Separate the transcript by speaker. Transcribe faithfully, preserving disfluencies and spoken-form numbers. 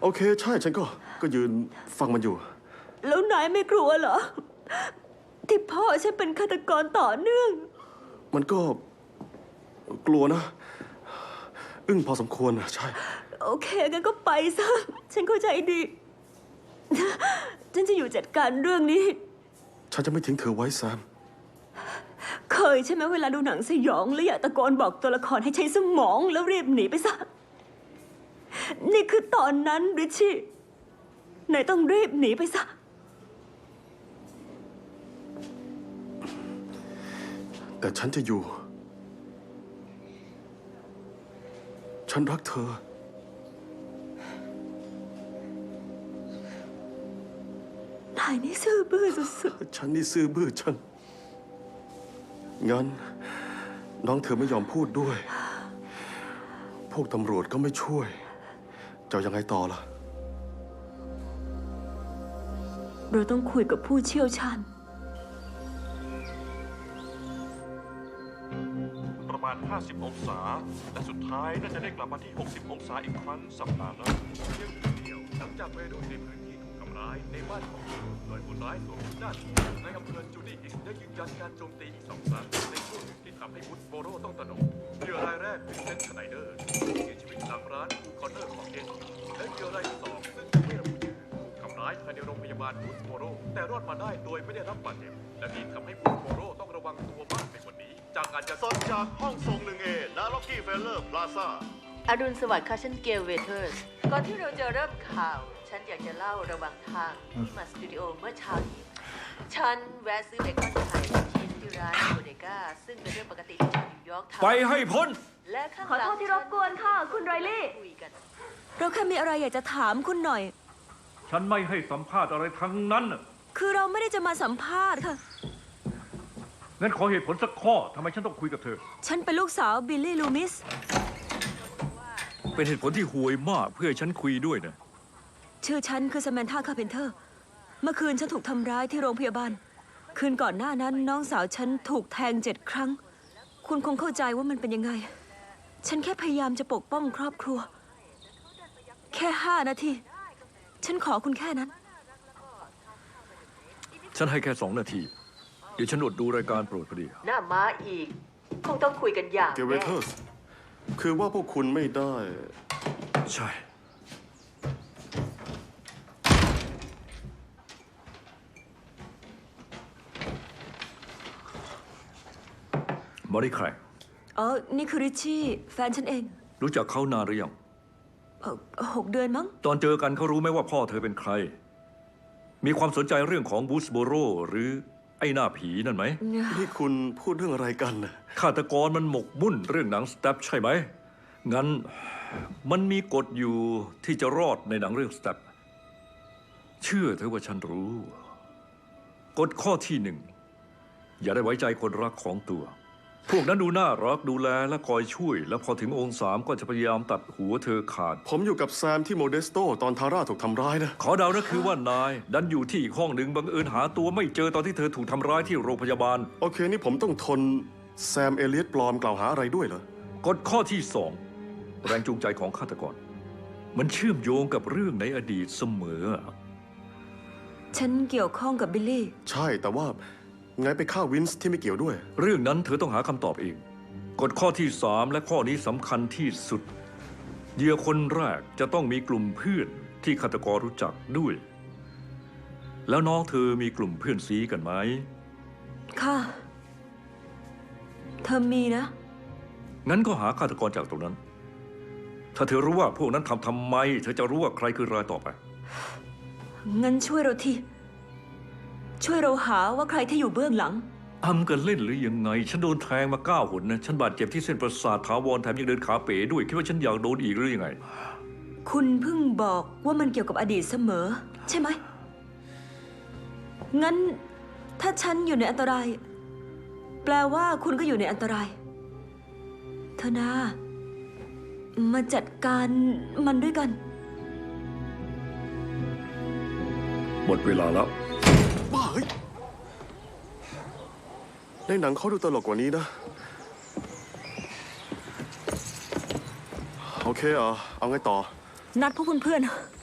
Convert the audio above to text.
Speaker 1: อเคใช่ฉันก็ก็ยืนฟังมันอยู่
Speaker 2: แล้วนายไม่กลัวเหรอที่พ่อฉันเป็นฆาตกรต่อเนื่อง
Speaker 1: มันก็กลัวนะอึ้งพอสมควรนะใช่
Speaker 2: โอเคงั้นก็ไปซะฉันเข้าใจดีฉันจะอยู่จัดการเรื่องนี้
Speaker 1: ฉันจะไม่ทิ้งเธอไว้แซม
Speaker 2: เคยใช่ไหมเวลาดูหนังสยองแล้วอยากตะโกนบอกตัวละครให้ใช้สมองแล้วรีบหนีไปซะนี่คือตอนนั้นริชชี่นายต้องรีบหนีไปซะ
Speaker 1: แต่ฉันจะอยู่ฉันรักเธอ
Speaker 2: นายนี่ซื่อบื้อสุด
Speaker 1: ๆฉันนี่ซื่อบื้อฉันงั้นน้องเธอไม่ยอมพูดด้วย พวกตำรวจก็ไม่ช่วยจะยังไงต่อล่ะ
Speaker 2: เราต้องคุยกับผู้เชี่ยวชาญ
Speaker 3: ประมาณห้าสิบองศาและสุดท้ายน่าจะได้กลับมาที่หกสิบองศาอีกครั้งสัปดาห์หน้าเพียงเดียวหลังจากวัยรุ่นในพื้นที่ถูกทำร้ายในบ้านของเธอโดยคนร้ายสวมหน้าที่ในอำเภอจูดี้ฮิลส์ได้ยืนยันการโจมตีอีกสองครั้งในช่วงหนึ่งที่ทำให้วุฒโบโรต้องตระหนกเหยื่อรายแรกเป็นเซนชไนเดอร์ที่เสียชีวิตหลังร้านฟูคอนเนอร์ของเอ็นและเหยื่อรายที่สองซึ่งยังไม่ระบุชื่อถูกทำร้ายภายในโรงพยาบาลวุฒโบโรแต่รอดมาได้โดยไม่ได้รับบาดเจ็บและนี่ทำให้วุฒโบโรต้องระวังตัวมากในวันนี้จากการจะ
Speaker 4: สดจากห้องทรงหนึ่งเอณล็อกกี้เฟลเลอร์พลาซ่า
Speaker 5: อรุณสวัสดิ์ค่ะฉันเกลเวเทอร์สก่อนที่เราจะเริ่มข่าวฉันอยากจะเล่าระหว่างทางที่มาสตูดิโอเมื่อเช้านี้ฉันแวะซื้อเบคอนไข่ชีสที่ร้านโบเดก้าซึ่งเป็นเรื่องปกติที่ชาวนิวยอร์กทำ
Speaker 6: ไปให้พ้น
Speaker 5: และข้าง
Speaker 2: ขอโทษที่รบกวนค่ะคุณไรลี่เราแค่มีอะไรอยากจะถามคุณหน่อย
Speaker 6: ฉันไม่ให้สัมภาษณ์อะไรทั้งนั้น
Speaker 2: คือเราไม่ได้จะมาสัมภาษณ์ค่ะ
Speaker 6: งั้นขอเหตุผลสักข้อทำไมฉันต้องคุยกับเธอ
Speaker 2: ฉันเป็นลูกสาวบิลลี่ลูมิส
Speaker 6: เป็นเหตุผลที่ห่วยมากเพื่อฉันคุยด้วยนะ
Speaker 2: ชื่อฉันคือสแมนธาคาเพนเทอร์เมื่อคืนฉันถูกทำร้ายที่โรงพยาบาลคืนก่อนหน้านั้นน้องสาวฉันถูกแทงเจ็ดครั้งคุณคงเข้าใจว่ามันเป็นยังไงฉันแค่พยายามจะปกป้องครอบครัวแค่ห้านาทีฉันขอคุณแค่นั้น
Speaker 6: ฉันให้แค่สองนาทีเดี๋ยวฉันอดดูรายการโปรดพอดี
Speaker 5: หน้าม้าอีกคงต้องคุยกันอย่าง
Speaker 1: เกเวเทอร์สคือว่าพวกคุณไม่ได้
Speaker 6: ใช่บอดี้ใคร
Speaker 2: อ๋อนี่คือริชชี่แฟนฉันเอง
Speaker 6: รู้จักเขานานหรือยัง
Speaker 2: หกเดือนมั้ง
Speaker 6: ตอนเจอกันเขารู้ไหมว่าพ่อเธอเป็นใครมีความสนใจเรื่องของบูสโบโรหรือไอ้หน้าผีนั่นไหม
Speaker 1: นี่คุณพูดเรื่องอะไรกันนะ
Speaker 6: ฆาตกรมันหมกมุ่นเรื่องหนังสแตปใช่ไหมงั้นมันมีกฎอยู่ที่จะรอดในหนังเรื่องสแตปเชื่อเถอะว่าฉันรู้กฎข้อที่หนึ่งอย่าได้ไว้ใจคนรักของตัวพวกนั้นดูน่ารักดูแลและคอยช่วยแล้วพอถึงองค์สามก็จะพยายามตัดหัวเธอขาด
Speaker 1: ผมอยู่กับแซมที่โมเดสโตตอนทาร่าถูกทำร้ายนะ
Speaker 6: ขอเดานะคือว่านายดันอยู่ที่อีกห้องหนึ่งบังเอิญหาตัวไม่เจอตอนที่เธอถูกทำร้ายที่โรงพยาบาล
Speaker 1: โอเคนี่ผมต้องทนแซมเอเลียตปลอมกล่าวหาอะไรด้วยเหร
Speaker 6: อกฎข้อที่สองแรงจูงใจของฆาตกรมันเชื่อมโยงกับเรื่องในอดีตเสมอ
Speaker 2: ฉันเกี่ยวข้องกับบิลลี่
Speaker 1: ใช่แต่ว่าไงไปฆ่าวินส์ที่ไม่เกี่ยวด้วย
Speaker 6: เรื่องนั้นเธอต้องหาคำตอบเองกฎข้อที่สามและข้อนี้สำคัญที่สุดเหยื่อคนแรกจะต้องมีกลุ่มเพื่อนที่ฆาตกรรู้จักด้วยแล้วน้องเธอมีกลุ่มเพื่อนซีกันไหม
Speaker 2: ค่ะเธอมีนะ
Speaker 6: งั้นก็หาฆาตกรจากตรงนั้นถ้าเธอรู้ว่าพวกนั้นทำทำไมเธอจะรู้ว่าใครคือรายต่อไป
Speaker 2: งั้นช่วยเราทีช่วยเราหาว่าใครที่อยู่เบื้องหลัง
Speaker 6: อำกันเล่นหรือยังไงฉันโดนแทงมาเก้าหนนะฉันบาดเจ็บที่เส้นประสาทถาวรแถมยังเดินขาเป๋ด้วยคิดว่าฉันอยากโดนอีกหรือยังไง
Speaker 2: คุณเพิ่งบอกว่ามันเกี่ยวกับอดีตเสมอใช่ไหมงั้นถ้าฉันอยู่ในอันตรายแปลว่าคุณก็อยู่ในอันตรายเธอนามาจัดการมันด้วยกัน
Speaker 6: หมดเวลาแล้ว
Speaker 1: บ้าเฮ้ยในหนังเขาดูตลกกว่านี้นะโอเคอ่ะเอาไงต่อ
Speaker 2: นัดพวกเพื่อนๆ